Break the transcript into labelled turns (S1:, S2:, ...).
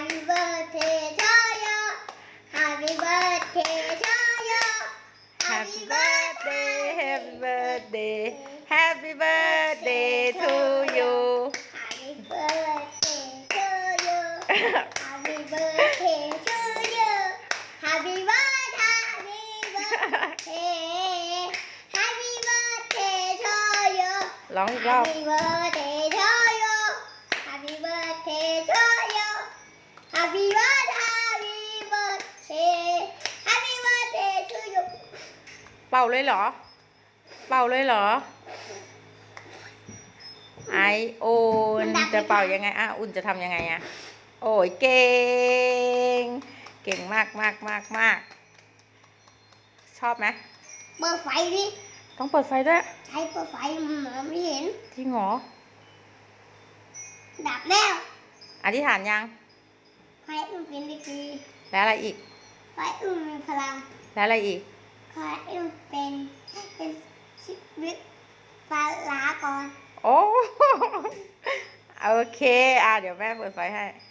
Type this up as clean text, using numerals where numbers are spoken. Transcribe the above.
S1: Happy birthday to you Happy birthday to you
S2: Happy birthday Happy birthday Happy birthday to you
S1: Happy birthday to you Happy birthday to you Happy birthday Happy birthday to you
S2: ร้องอีกรอบ
S1: Happy birthday to you Happy birthday to you Happy birthday Happy birthday to you
S2: เป่าเลยเหรอ เป่าเลยเหรอ ไออุ่นจะเป่ายังไงอ่ะอุ่นจะทำยังไงอ่ะโอ้ยเก่ง เก่งมากมากมากมากชอบไหม
S1: เปิดไฟดิ
S2: ต้องเปิดไฟด้วย
S1: ใช้เปิดไฟมันมองไม่เห็น
S2: จริงเหรอ
S1: ดับแล้ว
S2: อธิษฐานยัง
S1: ไฟอุ่นเป็นดีกรี
S2: แล้วอะไรอีก
S1: ไฟอุ่นมีพลัง
S2: แล้วอะไรอีก
S1: ไฟอุ่นเป็นชีวิตฟ้าลาก่อน
S2: โอ้ โอเคเดี๋ยวแม่เปิดไฟให้